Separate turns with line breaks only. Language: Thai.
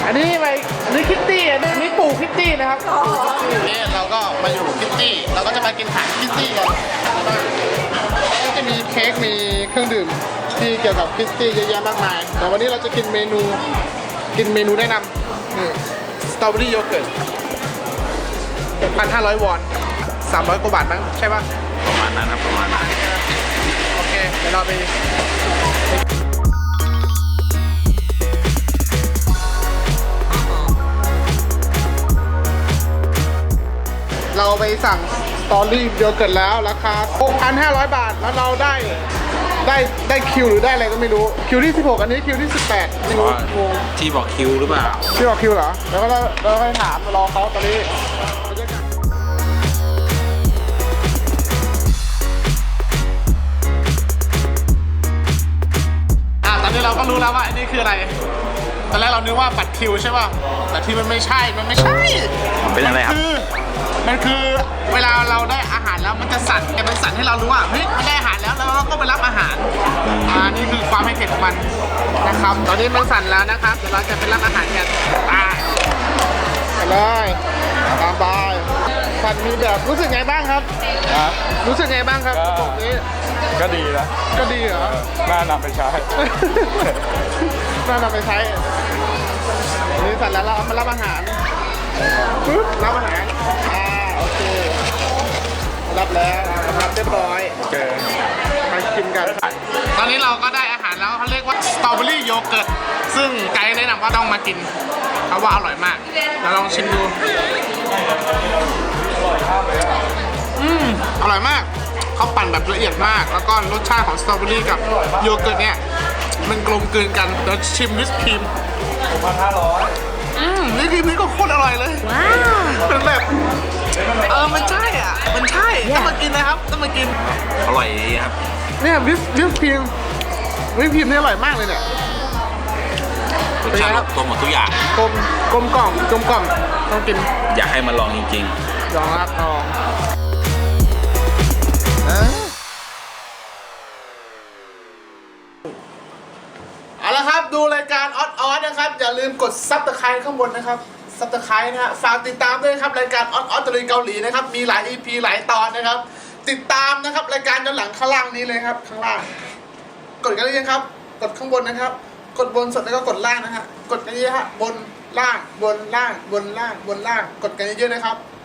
อันนี้คิตตี้อันนี้ปู่คิตตี้นะครับนี่เราก็มาอยู่คิตตี้เราก็จะมากินอาหารคิตตี้กันก็จะมีเค้กมีเครื่องดื่มที่เกี่ยวกับคิตตี้เยอะแยะมากมายแต่วันนี้เราจะกินเมนูแนะนำนี่สตรอเบอรี่โยเกิร์ต 1,500 วอน300 กว่าบาทมั้งใช่ปะ
ประมาณนั้นครับประมาณนั้น
โอเคเดี๋ยวเราไปสั่งสตรอเบอรี่โยเกิร์ตแล้วราคา 6,500 บาทแล้วเราได้คิวหรือได้อะไรก็ไม่รู้คิวที่ 16 อันนี้คิวที่ 18ไม่รู้งง
ที่บอกคิวหรือเปล่า
ที่บอกคิวเหรอแล้วก็เราไปถามรอเขาตอนนี้ตอนนี้เราก็รู้แล้วว่าอันนี้คืออะไรตอนแรกเรานึกว่าบัตรคิวใช่ป่ะแต่ที่มันไม่ใช่มัน
เป็นอะไรครับ
มันคือเวลาเราได้อาหารแล้วมันจะสั่นแต่มันสั่นให้เรารู้ว่าเฮ้ยมันได้อาหารแล้วเราก็ไปรับอาหารนี่คือความให้เผ็ดของมันนะครับตอนนี้มันสั่นแล้วนะครับเดี๋ยวเราจะไปรับอาหารกันไปเลยตามไปสั่นมีแบบรู้สึกไงบ้างครับรู้สึกไงบ้างครับบอกนี้
ก็ดีนะ
ก็ดีเหรอ
น่านำไปใช้
น่านำไปใช้นี่สั่นแล้วเราเอามารับอาหารปึ๊บรับอาหารโอเครับแล้วรับเรียบร้อยมากินกันตอนนี้เราก็ได้อาหารแล้วเขาเรียกว่าสตรอเบอรี่โยเกิร์ตซึ่งไกด์แนะนำว่าต้องมากินเพราะว่าอร่อยมากเราลองชิมดูอร่อยมากเขาปั่นแบบละเอียดมากแล้วก็รสชาติของสตรอเบอรี่กับโยเกิร์ตเนี่ยมันกลมกลืนกันเดี๋ยวชิมวิปครีมวิปครีมนี่ก็โคตรอร่อยเลยว้าวเป็นแบบมันใช่มันใช่ต้องมากินนะครับต้องมากิน
อร่อยครับ
เนี่ยวิปครีมนี่อร่อยมากเลยเนี่ย
รสชาติตัวหมดทุกอย่าง
กลมกล่อมต้องกิน
อยากให้มาลองจริง
ๆลองครับลองเอาละครับดูรายการออสนะครับอย่าลืมกดซับสไครต์ข้างบนนะครับซับสไครต์นะฮะฝากติดตามด้วยครับรายการออสตะลุยเกาหลีนะครับมีหลาย EP หลายตอนนะครับติดตามนะครับรายการย้อนหลังข้างล่างนี้เลยครับข้างล่างกดกันเลยครับกดข้างบนนะครับกดบนสุดแล้วก็กดล่างนะฮะกดกันเยอะฮะบนล่างบนล่างบนล่างบนล่างกดกันเยอะๆนะครับ